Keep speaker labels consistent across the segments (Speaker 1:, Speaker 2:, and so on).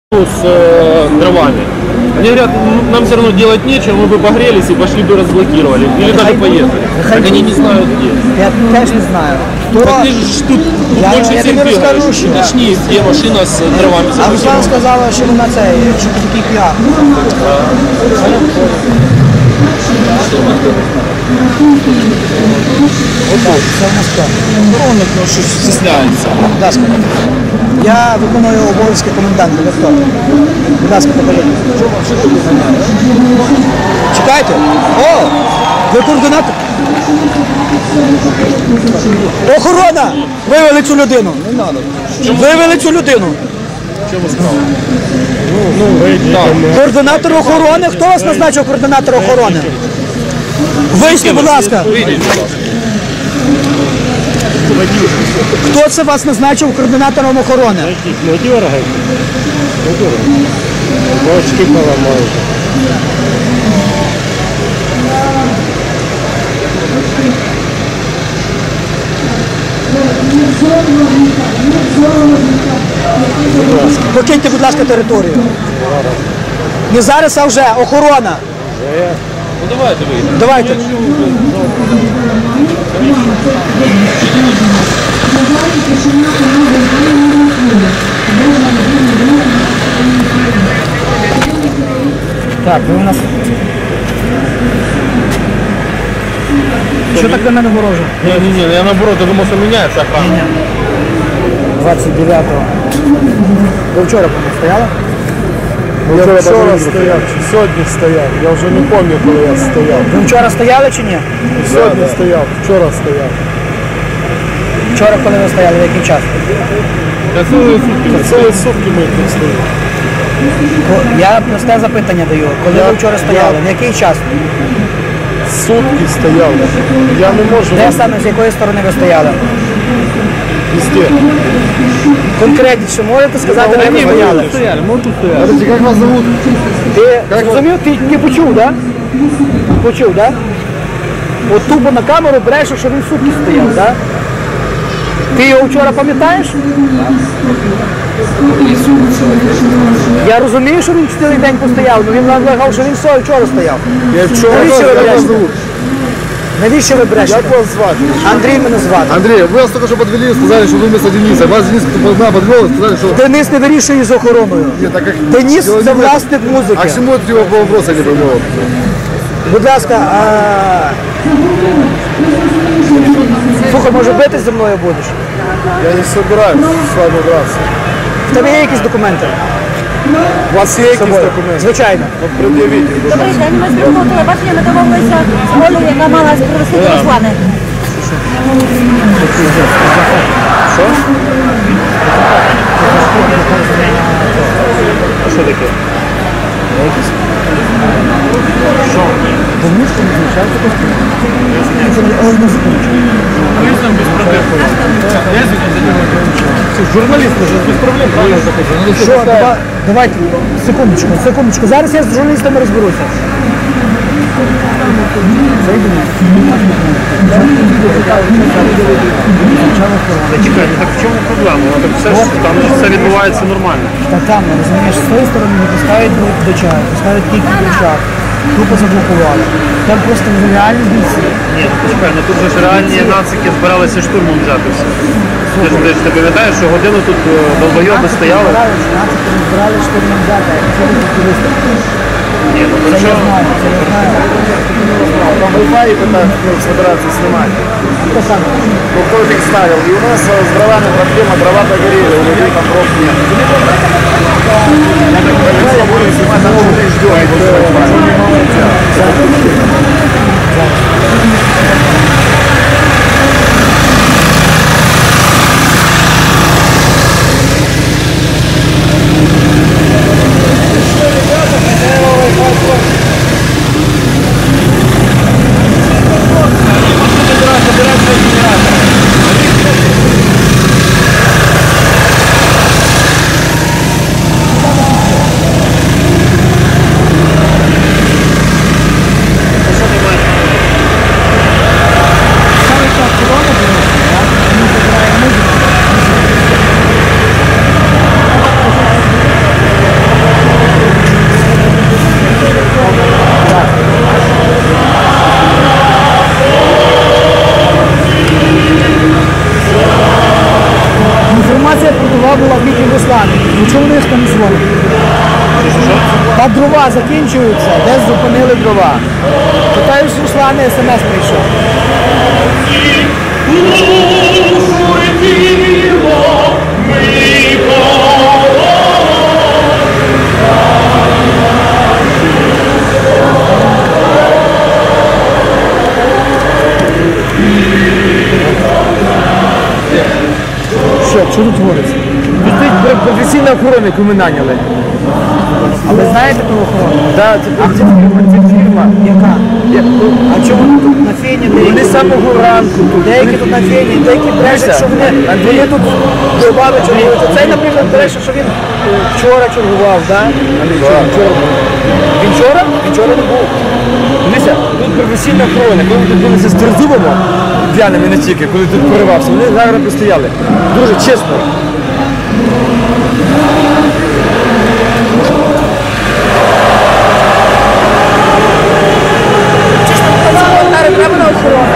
Speaker 1: с дровами. Они говорят, нам все равно делать нечего, мы бы погрелись и пошли бы разблокировали. Или даже поехали. Так они не знают где.
Speaker 2: Я теж не знаю.
Speaker 1: Так ты же тут больше всех бегаешь. Уточни, где машина с дровами.
Speaker 2: А Руслан сказала, що вона це, що це такий піар. Так, це в нас хто?
Speaker 1: Охоронник, ну що стесняється.
Speaker 2: Будь ласка. Я виконую обов'язки коменданта. Ви хто? Будь ласка, покажіть. Чекайте. О! Ви координатор? Охорона! Вивели цю людину. Не треба. Вивели цю людину.
Speaker 1: Чому справа?
Speaker 2: Координатор охорони? Хто вас назначив координатор охорони? Вийшли, будь ласка. Хто це вас назначив координатором охорони?
Speaker 3: Не дергайте. Бочки поламають.
Speaker 2: Покиньте, будь ласка, територію. Не зараз, а вже. Охорона.
Speaker 1: Ну давайте вийдемо.
Speaker 2: Давайте. Так, ви у нас... Що так до мене вороже?
Speaker 1: Не, я наоборот, я думал, что меняется охрана.
Speaker 2: 29-го. Ви вчора стояли?
Speaker 3: Я вчора стояв, чи сьогодні стояв. Я вже не пам'ятаю, коли я стояв.
Speaker 2: Ви вчора стояли чи ні?
Speaker 3: Сьогодні стояв, вчора стояв.
Speaker 2: Вчора, коли ви стояли, в який час?
Speaker 3: Цілі сутки ми тут стоїмо.
Speaker 2: Я просте запитання даю. Коли ви вчора стояли, в який час?
Speaker 3: Сутки стояв. Я не можу.
Speaker 2: Де саме, з якої сторони ви стояли?
Speaker 3: Везде.
Speaker 2: Конкретніше можете сказати, де ви стояли?
Speaker 3: Подожди, як вас зовут?
Speaker 2: Ти зрозумів, ти почув, так? Почув, так? От тупо на камеру береш, що він сутки стояв, так? Ти його вчора пам'ятаєш? Я розумію, що він цілий день постояв, але він наполягав, що він вчора стояв.
Speaker 3: Я вчора.
Speaker 2: Навіщо ви
Speaker 3: Як вас
Speaker 2: брешете?
Speaker 3: зовут?
Speaker 2: Навіщо ви брешете?
Speaker 3: Як вас звати?
Speaker 2: Андрій мене звати.
Speaker 3: Андрей, вы нас только что подвели, сказали, что вы вместо Дениса. Вас Денис подвел, сказали, что...
Speaker 2: Денис не вирішує з охороною.
Speaker 3: Нет, так как...
Speaker 2: Денис
Speaker 3: Дело
Speaker 2: це
Speaker 3: не в этом.
Speaker 2: власник музики.
Speaker 3: А к чему это его вопроса не понял?
Speaker 2: Будь ласка, слухай, може битись зі мною будеш?
Speaker 3: Я не собираюсь с вами драться.
Speaker 2: В тебе є якісь документи?
Speaker 3: У вас є якісь документи?
Speaker 2: Звичайно.
Speaker 3: От пред'явіть.
Speaker 4: Добрий день, ми з прямого телебачення, ми домовилися з Олею, яка мала привезти Руслани.
Speaker 1: Що таке? Журналистам без проблем. Журналист без проблем, правильно захожу.
Speaker 2: Що, давайте, секундочку. Зараз я з журналістами розберуся.
Speaker 1: Чекайте, так в чому проблема? Так все ж там все відбувається нормально.
Speaker 2: Та там, розумієш, з тої сторони не пускають до чаю, пускають тільки до чаю. Тупо заблокували. Там просто реальні бійці.
Speaker 1: Ні, почекай, ну тут же ж реальні нацики збиралися штурмом взяти все. Ти пам'ятаєш, що годину тут долбойоби стояли?
Speaker 2: Збирали штурмом взяти, а це не туристи.
Speaker 1: Ні, ну
Speaker 2: Це
Speaker 1: то
Speaker 2: я
Speaker 1: що?
Speaker 2: знаю, це я знаю.
Speaker 3: Там Wi-Fi собираются снимать.
Speaker 2: Хто саме?
Speaker 3: Ну, кто их ставил? И у нас с дровами проблема, дрова догорели, у людей там дров нет. Я так понимаю, будем снимать, а мы ждем.
Speaker 2: там дзвонить. Та дрова закінчуються, десь зупинили дрова. Питаю з Руслана, смс прийшов. Що тут твориться?
Speaker 5: Тут професійна охорона, яку ми наняли.
Speaker 2: А ви знаєте про охорону?
Speaker 5: Да, це фірма.
Speaker 2: Яка? А чому тут на фені
Speaker 5: Вони
Speaker 2: деякі?
Speaker 5: з самого ранку тут.
Speaker 2: Деякі тут на фені, деякі брешуть, що вони тут добавили чергують. Цей, наприклад, бреше, що він вчора чергував, да? Вчора. Він вчора? Він вчора не був.
Speaker 5: Дивіться, тут професійна охорона. Коли ми тут були з Трезубами, п'яними не тільки, коли тут поривався, вони гарно постояли. Дуже чесно.
Speaker 2: Треба на охорону.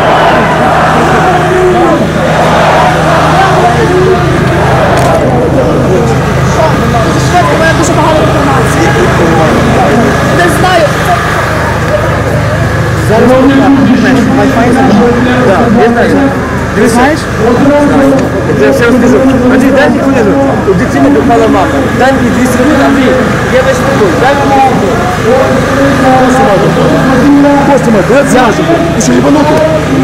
Speaker 2: У мене дуже багато інформації. Не знаю. Зараз Wi-Fi
Speaker 5: Так, я знаю.
Speaker 2: Ти знаєш?
Speaker 5: Я все розкажу. Андрій, дай мені хвилину. У дитини попала мама. Дай мені 200 хвилин, Андрій. Я весь такой. Дай мені хвилину.
Speaker 3: Костя мой, ты отсяжешь. Ты что, ебанутый?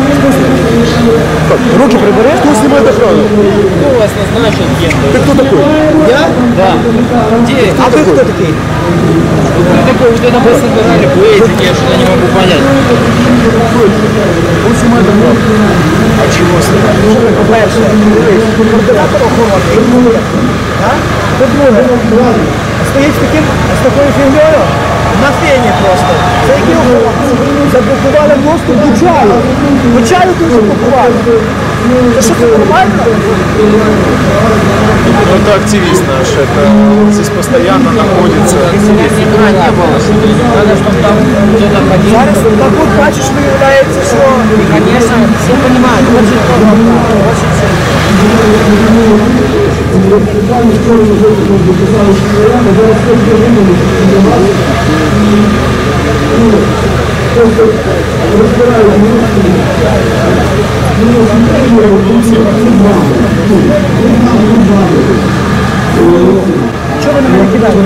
Speaker 5: Руки прибери.
Speaker 3: Кто снимает охрану?
Speaker 1: Кто вас назначил кем?
Speaker 3: Ты кто такой?
Speaker 2: Я?
Speaker 1: Да. Где?
Speaker 2: А ви хто такий?
Speaker 1: Вы такой, вот это вы собирали, плеете, я что-то не могу понять.
Speaker 3: Он снимает охрану.
Speaker 2: А чого снимаєш? По-перше, координатор охорони. По-друге, стоїть з такою фігньою на фені просто. Це які охоронці? Заблокували доступ до чаю. До чаю тут заблокували. Це що, це нормально?
Speaker 3: Это активист наш, это здесь постоянно находится.
Speaker 1: Никогда не было. Надо, чтобы там кто-то ходил.
Speaker 2: Зараз так от бачиш, виявляється, що...
Speaker 1: Конечно, все понимают, очень трудно, очень сильно.
Speaker 2: Чого ви на мене кидаєте?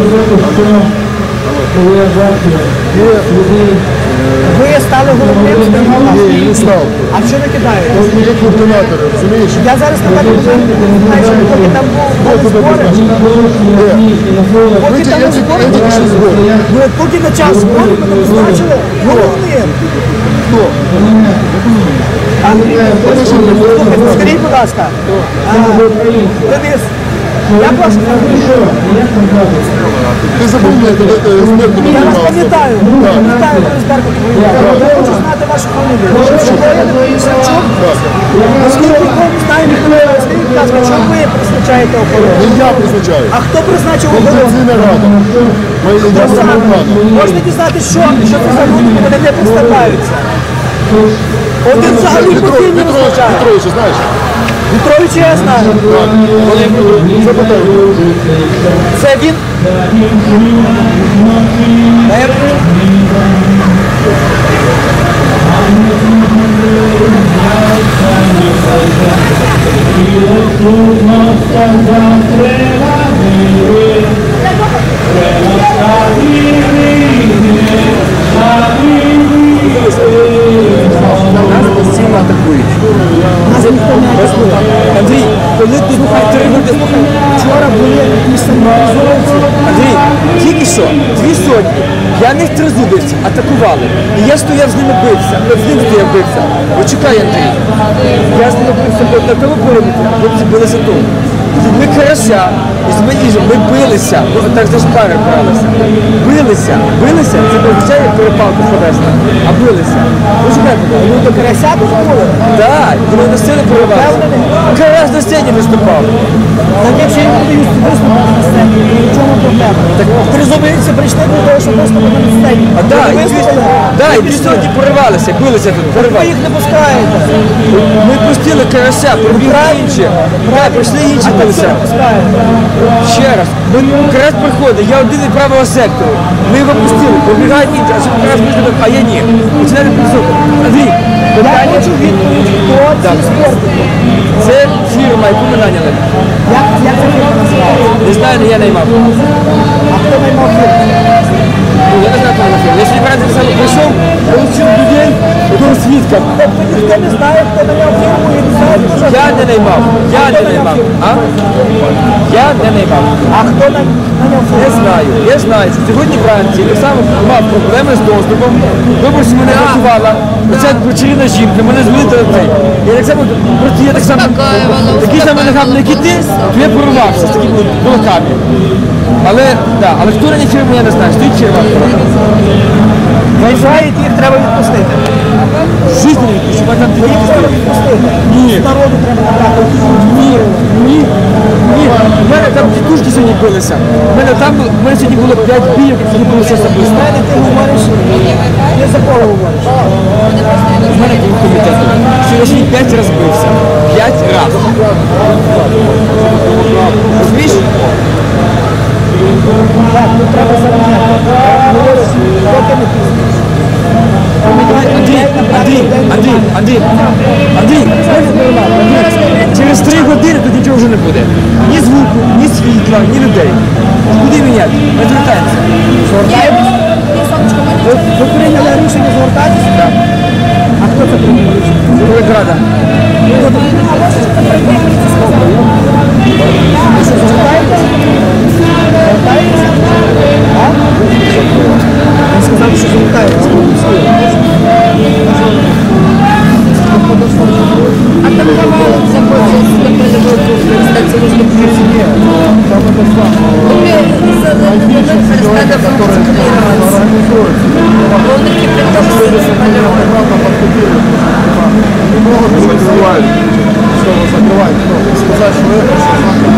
Speaker 2: Ви стали головним
Speaker 3: Не, не стал.
Speaker 2: А що ви кидаєте?
Speaker 3: Как координатор, разумеешь?
Speaker 2: Я зараз на мене знаю, що поки там були збори, поки там були збори, ну от поки на час зборів мене назначили головним.
Speaker 3: Кто?
Speaker 2: Слухайте, скажіть, будь ласка, Денис, як ваш
Speaker 3: Ты забыл мне, когда ты с Беркутом
Speaker 2: Я вас
Speaker 3: занимался?
Speaker 2: пам'ятаю, Денис Беркутов. Я хочу знати вашу фамілію. Шевчук? Наскільки ви знаєте, скажіть, будь ласка, чому ви призначаєте охорону?
Speaker 3: Не я призначаю.
Speaker 2: А хто призначив охорону?
Speaker 3: Конституційна рада. Моя єдина рада.
Speaker 2: Можете дізнатися, що це за люди, вони не представляються. Один взагалі постійно розмовляє.
Speaker 3: Петрович, знаєш?
Speaker 2: Петрович я знаю.
Speaker 3: Запитай.
Speaker 2: Це він? Наверное.
Speaker 5: Нас постійно атакують. Андрій, коли тут три люди,
Speaker 2: Вчора були якісь самоорганізованці.
Speaker 5: Андрій, тільки що 200 п'яних тризубівців атакували. І я стояв з ними бився. З ним стояв бився. Почекай, Андрій. Я з ними бився на тому периметрі, хлопці билися тут. Ми карася, і ми билися, так за шпари бралися. Билися, це не означає перепалку словесна, а билися. Почекай,
Speaker 2: Ну до карася дозволили.
Speaker 5: так, вони на сцені перебували. Карась на сцені виступав.
Speaker 2: Так якщо я не буду виступати на сцені, то в чому проблема? Так тризубинці прийшли для того, щоб виступити на сцені.
Speaker 5: А да,
Speaker 2: Ви виступили?
Speaker 5: і дві сьогодні поривалися, билися тут,
Speaker 2: Ви
Speaker 5: поривалися.
Speaker 2: їх не пускаєте.
Speaker 5: Ми пустили карася, пробігли інші. Так, прийшли інші билися.
Speaker 2: Не пускаєте.
Speaker 5: Ще раз, карась приходить, я один від правого сектору. Ми його пустили, пробігають інші, а що карась приходить, а я ні. Починає підсухати. Андрій,
Speaker 2: Я
Speaker 5: питання.
Speaker 2: хочу відповідь, хто ці спортики.
Speaker 5: Це фірма, яку ми наняли.
Speaker 2: Як ця фірма називається?
Speaker 5: Не знаю, не я наймав.
Speaker 2: А хто наймав фірму?
Speaker 5: Ну, я не знаю, хто наймав. Я сьогодні вранці саме прийшов, получив людей, одного свідка.
Speaker 2: Тобто ніхто не знає, хто наймав фірму і не знає, хто
Speaker 5: Я не наймав. Я не наймав. А? Я не наймав.
Speaker 2: А хто наняв фірму?
Speaker 5: Не знаю. Я знаю, що сьогодні вранці я сам мав проблеми з доступом. Виборці мене рятувала. Оця вечірна жінка, мене звели до цей. Я так само, просто я так само, такий самий нагадний, як і ти, то я порвався з такими кулаками. Але хто на фірму, я не знаю. Стоїть фірма.
Speaker 2: Вважаєте, їх треба відпустити.
Speaker 5: Жизнь не відпущу, там ти
Speaker 2: Їх треба відпустити.
Speaker 5: Ні.
Speaker 2: З народу треба набрати.
Speaker 5: Ні. У мене там тітушки сьогодні билися. У мене сьогодні було 5 бійок, які було щось
Speaker 2: У
Speaker 5: особисто.
Speaker 2: мене ти говориш, не за кого говориш.
Speaker 5: У мене був комітет. Сьогодні 5 разів бився. 5 разів. Розумієш?
Speaker 2: Так, тут треба заміняти. Говориш, поки не пізно.
Speaker 5: Андрій, через 3 години тут нічого вже не буде. Ні звуку, ні світла, ні людей. Куди міняти? Ми звертаємося.
Speaker 2: Ви прийняли рішення звертатися? Так. А хто це прийняв рішення?
Speaker 5: Великрада.
Speaker 2: Ви що, звертаєтесь? Звертаєтесь? А? Він сказав, що звертаєтесь.
Speaker 4: А там давали заходять на полевой круг, кстати, если
Speaker 2: Ні, там это сам.
Speaker 4: перестали функционировать. Он таки предложил самолет.
Speaker 3: Не могут закрывать, чтобы закрывать, сказать, что это все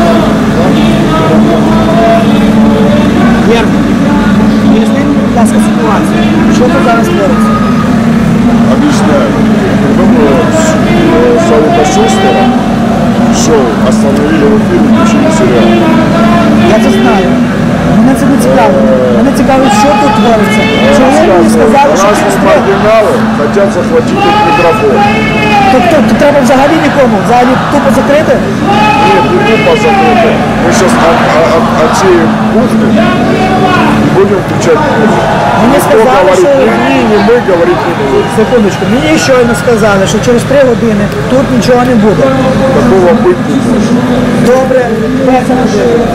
Speaker 2: Вірно. Поясніть, будь ласка, ситуацію. Що тут зараз твориться?
Speaker 3: объясняю. Думаю, Саукашустера шоу остановили в эфире, включили сериал.
Speaker 2: Я це знаю. Мене це не цікаво. Мене цікавить, що тут твориться. Чому мені сказали, що
Speaker 3: Разные
Speaker 2: через 3
Speaker 3: маргиналы хотят захватить их микрофон.
Speaker 2: Тобто треба взагалі нікому, взагалі тупо закрити?
Speaker 3: Нет, не тупо закрыто. Мы сейчас отсеем кухню и будем включать музыку.
Speaker 2: Мені
Speaker 3: Кто
Speaker 2: сказали,
Speaker 3: говорит
Speaker 2: що...
Speaker 3: не мы, говорить не будем.
Speaker 2: Секундочку, мені щойно сказали, що через 3 години тут нічого не буде.
Speaker 3: Такого быть не может.
Speaker 2: Добре, перша можливо.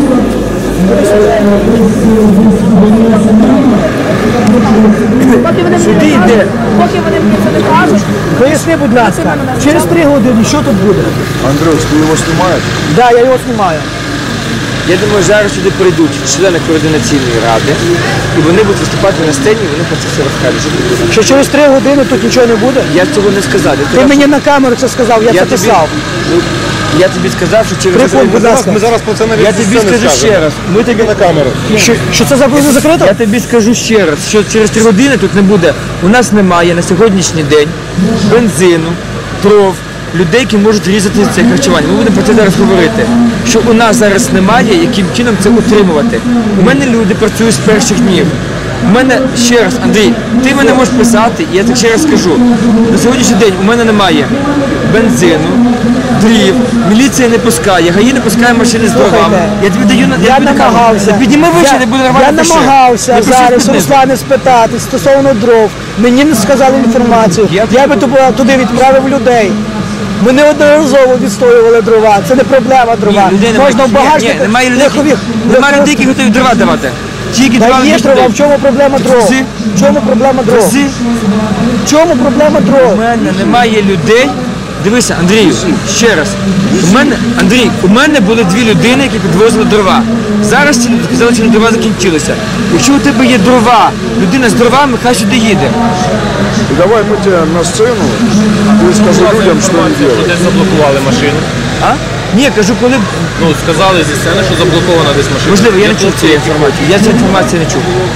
Speaker 5: Сюди йде.
Speaker 4: Поки вони мені це не кажуть,
Speaker 2: Поясни, будь ласка, через 3 години що тут буде?
Speaker 3: Андрюш, ты его снимаешь?
Speaker 2: Так, я його знімаю.
Speaker 5: Я думаю, зараз сюди прийдуть члени координаційної ради, і вони будуть виступати на сцені, і вони про це все розкажуть. Що тут буде.
Speaker 2: Що через 3 години тут нічого не буде?
Speaker 5: Я цього не сказав.
Speaker 2: Ти мені на камеру це сказав, я це писав.
Speaker 5: Я тобі сказав, що через
Speaker 2: Прикол, будь ласка.
Speaker 3: Мы зараз про це навіть
Speaker 5: Я тобі скажу ще раз. Ми тобі
Speaker 3: на камеру.
Speaker 2: Що це за буде закрито?
Speaker 5: Я тобі скажу ще раз, що через 3 години тут не буде. У нас немає на сьогоднішній день бензину, дров, людей, які можуть різати це харчування. Ми будемо про це зараз говорити. Що у нас зараз немає, яким чином це утримувати. У мене люди працюють з перших днів. У мене ще раз, Андрій, ти мене можеш писати, і я так ще раз скажу. На сьогоднішній день у мене немає бензину, дрів, міліція не пускає, ГАІ не пускає машини з дровами.
Speaker 2: Слухайте,
Speaker 5: Я тобі даю на
Speaker 2: Я
Speaker 5: тобі кажу,
Speaker 2: намагався.
Speaker 5: та підніми вище, не буде нормально.
Speaker 2: Я
Speaker 5: пиши.
Speaker 2: намагався
Speaker 5: Не пиши
Speaker 2: зараз
Speaker 5: знизу.
Speaker 2: Руслана спитати стосовно дров. Мені не сказали інформацію. Я би туди відправив людей. Ми неодноразово відстоювали дрова. Це не проблема дрова.
Speaker 5: Ні, людей немає.
Speaker 2: Можна в багажник.
Speaker 5: Ні, немає людей, немає людей, які готові дрова давати. Тільки
Speaker 2: Та
Speaker 5: дрова
Speaker 2: є
Speaker 5: між
Speaker 2: дрова,
Speaker 5: людей.
Speaker 2: в чому проблема дров?
Speaker 5: Труси.
Speaker 2: В чому проблема дров?
Speaker 5: Труси.
Speaker 2: В чому проблема
Speaker 5: У
Speaker 2: дров?
Speaker 5: мене немає людей. Дивися, Андрію, ще раз. У мене були 2 людини, які підвозили дрова. Зараз ці люди сказали, що дрова закінчилися. Якщо у тебе є дрова, людина з дровами, хай сюди їде.
Speaker 3: И давай мы тебя на сцену, ты скажи людям, что они делают.
Speaker 1: Десь заблокували машину.
Speaker 5: А? Ні, кажу, коли.
Speaker 1: Ну, сказали зі сцени, що заблокована десь машина.
Speaker 5: Можливо, я не чув
Speaker 1: Хлопці,
Speaker 5: цієї інформації. Я цю інформацію не чув.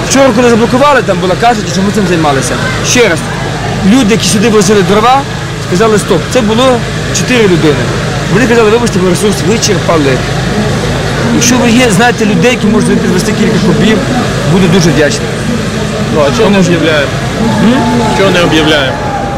Speaker 5: Вчора, коли заблокували, там було, кажуть, що ми цим займалися. Ще раз, люди, які сюди возили дрова, сказали стоп. Це було 4 людини. Вони казали, вибачте, ми ресурс вичерпали. Якщо ви є, знаєте людей, які можуть підвести кілька кубів, буду дуже вдячний.
Speaker 1: Ну, а чого не об'являємо? Чого не об'являємо?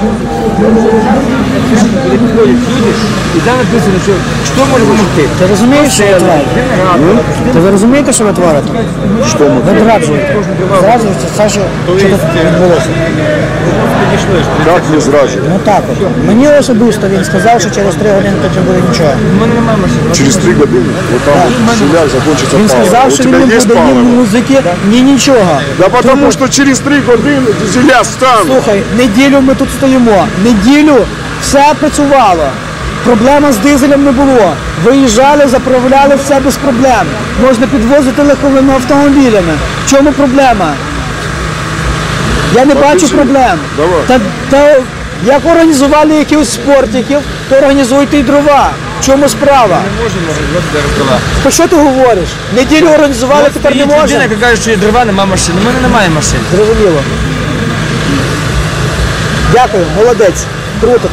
Speaker 5: Коли підходять люди, і там написано, що може допомогти.
Speaker 2: Ти розумієш, що ви творите? Ви розумієте, що ви творите?
Speaker 3: Что мы?
Speaker 2: Ви зраджуєте. Зраджуєте це, що відбулося.
Speaker 3: Как не зражу?
Speaker 2: Ну так от. Мені особисто він сказав, що через 3 години тут не буде нічого.
Speaker 5: У мене немає машини.
Speaker 3: Через 3 года вот там в селях закончится
Speaker 2: Він
Speaker 3: паливо.
Speaker 2: сказав,
Speaker 3: У
Speaker 2: що він
Speaker 3: тебя
Speaker 2: не
Speaker 3: есть
Speaker 2: буде ні
Speaker 3: паливо?
Speaker 2: музики, ні нічого.
Speaker 3: Да потому что через 3 года зеля станут.
Speaker 2: Слухай, неділю ми тут стоїмо. Неділю все працювало. Проблема з дизелем не було. Виїжджали, заправляли все без проблем. Можна підвозити легковими автомобілями. В чому проблема? Я не бачу
Speaker 3: Подожди.
Speaker 2: проблем.
Speaker 3: Давай.
Speaker 2: Та як організували якихось спортиків, то організуйте і дрова. В чому справа?
Speaker 5: Не можемо організувати зараз дрова.
Speaker 2: Про що ти говориш? Неділю організували, тепер не
Speaker 5: Стоїть людина,
Speaker 2: можна?
Speaker 5: яка каже, що є дрова, немає машини. У мене немає машини.
Speaker 2: Зрозуміло. Дякую, молодець. Круто.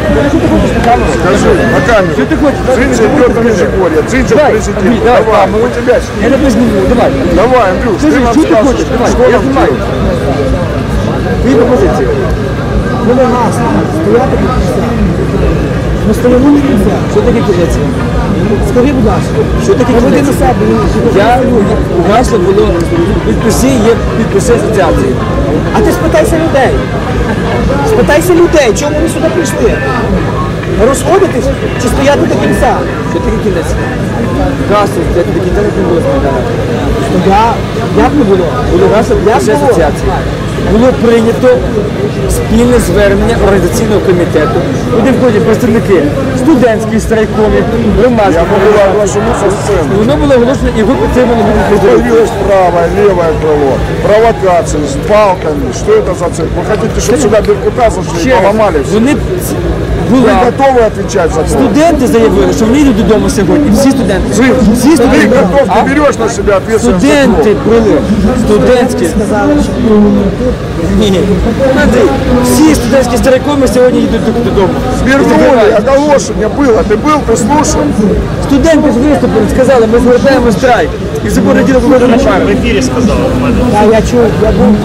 Speaker 3: Скажи, на камеру. Что ты хочешь? Дзинча идет на Межигорье, Дзинча президент. Давай, у тебя
Speaker 5: Я не позніму, давай.
Speaker 3: Давай, Андрюш, ты нам
Speaker 5: Що ти
Speaker 3: скажешь,
Speaker 5: хочеш? Давай,
Speaker 3: что
Speaker 5: я
Speaker 3: нам
Speaker 5: знімаю.
Speaker 3: делать?
Speaker 5: Твої пропозиції.
Speaker 2: Буде гасно. Стояти під кінця. Ми стоїмо на кінця.
Speaker 5: Що таке кінець?
Speaker 2: Скажи, будь ласка.
Speaker 5: Що таке
Speaker 2: Проведи
Speaker 5: кінець?
Speaker 2: на себе.
Speaker 5: У гасло було підписи, є підписи асоціації.
Speaker 2: А ти спитайся людей. Спитайся людей, чому вони сюди прийшли? Розходитись чи стояти до кінця?
Speaker 5: Що таке кінець? Гасло, це до кінця не було сказано.
Speaker 2: Як не було?
Speaker 5: Було гасло підписи
Speaker 2: було?
Speaker 5: асоціації. Було прийнято спільне звернення організаційного комітету, куди входять представники студентських страйкомів,
Speaker 3: Я
Speaker 5: громадських
Speaker 3: могла
Speaker 5: організацій.
Speaker 3: оглашено со сцены.
Speaker 5: Воно було оголошено і ви підтримали мене.
Speaker 3: Появилось правое, левое крыло, провокации с палками. Что это за цель? Вы хотите, чтобы сюда Беркута зашли и поломали все?
Speaker 5: Вони
Speaker 3: Вы
Speaker 5: була.
Speaker 3: готовы отвечать за то?
Speaker 5: Студенти заявили, що вони йдуть додому сьогодні. Всі студенти. Всі
Speaker 3: Ты
Speaker 5: студенти.
Speaker 3: готов,
Speaker 5: А?
Speaker 3: ты берешь на себя ответственность за
Speaker 5: Студенти
Speaker 3: то?
Speaker 5: були. Студентські.
Speaker 2: Сказали, що
Speaker 5: Ні. Андрій, всі студентські старикоми сьогодні йдуть додому.
Speaker 3: Свернули, оголошение было. Ты был, ты слушал?
Speaker 5: Студенти ж виступили, сказали, ми звертаємо страйк. І в понеділок виходимо на пару.
Speaker 1: В ефірі сказали у мене.
Speaker 2: Так, я чув, я був.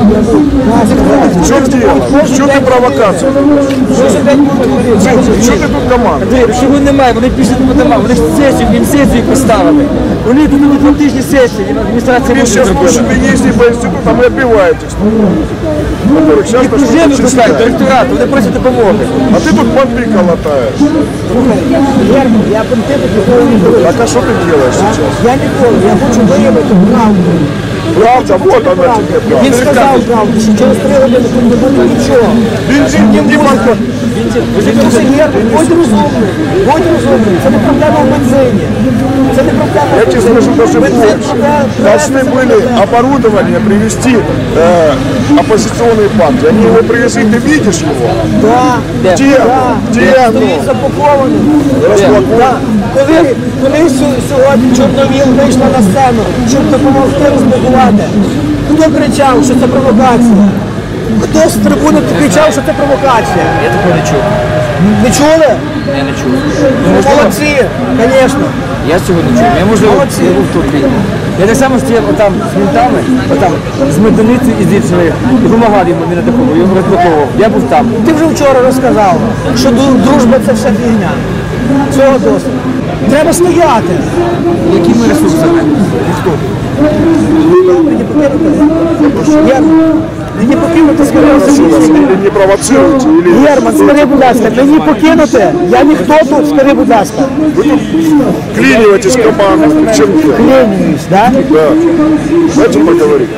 Speaker 3: В чем дело? Что ты провокацию?
Speaker 2: Кожен день будуть люди.
Speaker 3: Что ты тут команда?
Speaker 5: Андрій, чого немає, вони пішли по домам, вони ж сесію, їм сесію поставили. Вони тут на 2 тижні сесії, адміністрація
Speaker 3: Вы
Speaker 5: може
Speaker 3: сейчас
Speaker 5: зробити.
Speaker 3: слушайте, ездите по институтам и отбиваетесь, которых сейчас
Speaker 5: Вже викликають до
Speaker 3: начнут
Speaker 5: ректорату, вони просять допомоги.
Speaker 3: А ты тут понты колотаешь.
Speaker 2: Герман, я контент ніколи не буду.
Speaker 3: Так а что ты делаешь сейчас?
Speaker 2: Я ніколи, я хочу виявити правду.
Speaker 3: Правда, вот она тебе правда.
Speaker 2: Він сказав правду, що через 3 години тут не буде нічого.
Speaker 3: Бензин не банка.
Speaker 2: Це Герман, будь розумний, будь розумний. Це не проблема в бензині. Це не проблема
Speaker 3: Я
Speaker 2: в
Speaker 3: тебе скажу даже
Speaker 2: бензині.
Speaker 3: больше. Должны были оборудование привезти оппозиционные партии. Они его привезли, ты видишь его?
Speaker 2: Да,
Speaker 3: Где? Где оно?
Speaker 2: стоїть запакований.
Speaker 3: Розпаковано.
Speaker 2: Да. Коли сьогодні Чорновіл вийшла на сцену, щоб допомогти розблокувати, хто кричав, що це провокація? Хто з трибуни кричав, що це провокація?
Speaker 5: Я такого не чув.
Speaker 2: Не чули?
Speaker 5: Я не чув.
Speaker 2: Молодці, звісно.
Speaker 5: Я цього не чув. Я можливо
Speaker 2: Молодці.
Speaker 5: не був в Турції. Я так само стояв отам з ментами, отам з Меданицею і з іншими, і допомагав йому, він атакував, його розблоковував. Я був там.
Speaker 2: Ти вже вчора розказав, що дружба це все фігня. Цього досить. Треба стояти.
Speaker 5: Якими ресурсами?
Speaker 2: Мені покинути, скажи,
Speaker 3: Или не провоцируйте, или...
Speaker 2: Герман, скажи, будь ласка, мені покинути? Я ніхто тут, скажи, будь ласка.
Speaker 3: Вклинивайтесь в команду. В чем дело?
Speaker 2: Клянуюсь, да?
Speaker 3: Да. Давайте поговорим.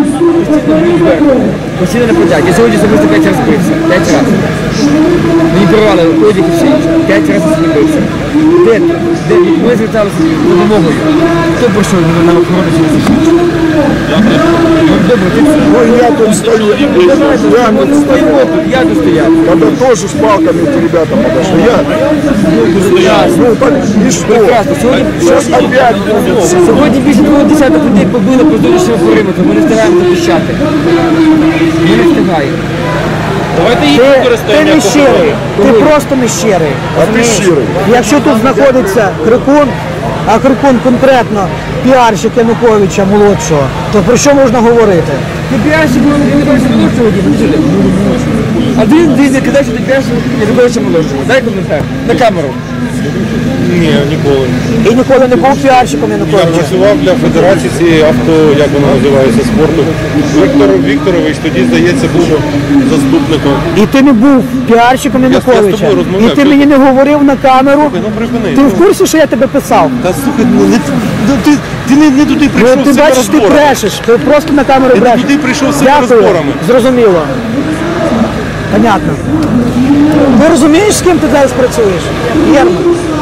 Speaker 5: Постійно не подяк. Я сьогодні особисто 5 разів бився. 5 разів. Мені порвали одяг і все інше. 5 разів сьогодні бився. Де? Де? Ми зверталися з допомогою. Хто прийшов на охорону чи не добре, ти
Speaker 3: Ну, я тут стою,
Speaker 5: стоїмо тут, я тут стояв.
Speaker 3: когда тоже с палками эти ребята подошли. Ну, так и что?
Speaker 5: Прекрасно.
Speaker 3: Сейчас опять будет.
Speaker 5: Сьогодні більше 20 людей побили по зовнішньому периметру. Ми не встигаємо захищати. Ми не встигаємо.
Speaker 1: Давайте їх
Speaker 2: Ти
Speaker 1: використаємо
Speaker 2: не
Speaker 1: як
Speaker 2: щирий,
Speaker 1: охорону.
Speaker 2: ти просто не щирий.
Speaker 3: А ти щирий.
Speaker 2: Якщо тут знаходиться Крикун, а Крикун конкретно піарщик Януковича молодшого, то про що можна говорити?
Speaker 5: Ти піарщик Януковича молодшого, Діма? А ти не кидаєш, що ти піарщик Януковича молодшого. Дай коментар. На камеру.
Speaker 1: Ні, ніколи.
Speaker 2: І ніколи не був піарщиком
Speaker 6: Я
Speaker 2: Януковича.
Speaker 6: працював для Федерації цієї авто, як воно називається, спорту. Віктор Вікторович тоді, здається, був заступником.
Speaker 2: І ти не був піарщиком
Speaker 6: Я з
Speaker 2: Януковича.
Speaker 6: тобою розмовляв.
Speaker 2: І ти мені не говорив на камеру.
Speaker 6: Ну припини.
Speaker 2: Ти в курсі, що я тебе писав?
Speaker 6: Та слухай, ти не туди прийшов
Speaker 2: Ну,
Speaker 6: з
Speaker 2: ти
Speaker 6: цими
Speaker 2: бачиш, ти
Speaker 6: розборами.
Speaker 2: брешеш, ти просто на камеру
Speaker 6: Ти не
Speaker 2: брешеш.
Speaker 6: туди прийшов з цими
Speaker 2: Дякую,
Speaker 6: розборами.
Speaker 2: зрозуміло. Понятно. Ти розумієш, з ким ти зараз працюєш? Єрман.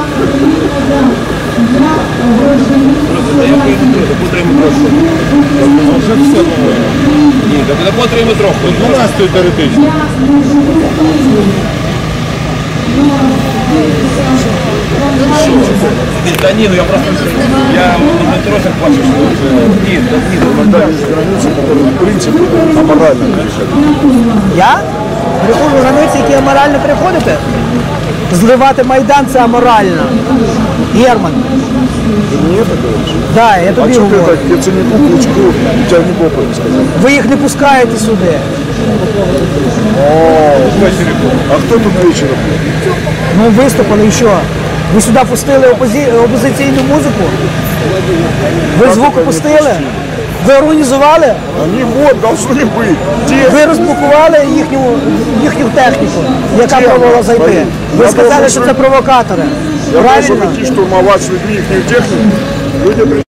Speaker 1: Ні, так не потримай трохи.
Speaker 6: 12 теоретично.
Speaker 1: Та ні, ну я просто... Я на тросах бачу, що... Ні,
Speaker 3: Иногда есть границы, которые в принципе аморально переходят.
Speaker 2: Я? Переходжу границі, які аморально переходите? Зливати Майдан – це аморально. Герман.
Speaker 3: Ты мне это говоришь?
Speaker 2: Да, я
Speaker 3: А
Speaker 2: тобі
Speaker 3: что ты
Speaker 2: говорю.
Speaker 3: так Яценюку, Кличку, у тебя не попали сказал?
Speaker 2: Ви їх не пускаєте сюди.
Speaker 3: А кто тут вечером?
Speaker 2: Ну, виступили і що? Ви сюди пустили опозиційну музику? Ви звук пустили? Ви організували?
Speaker 3: Они вот должны быть. Где?
Speaker 2: Ви розблокували їхню техніку, яка пробувала зайти. Ви сказали, що це провокатори.
Speaker 3: Я должен
Speaker 2: Правильно?
Speaker 3: идти штурмовать с людьми их технику. Люди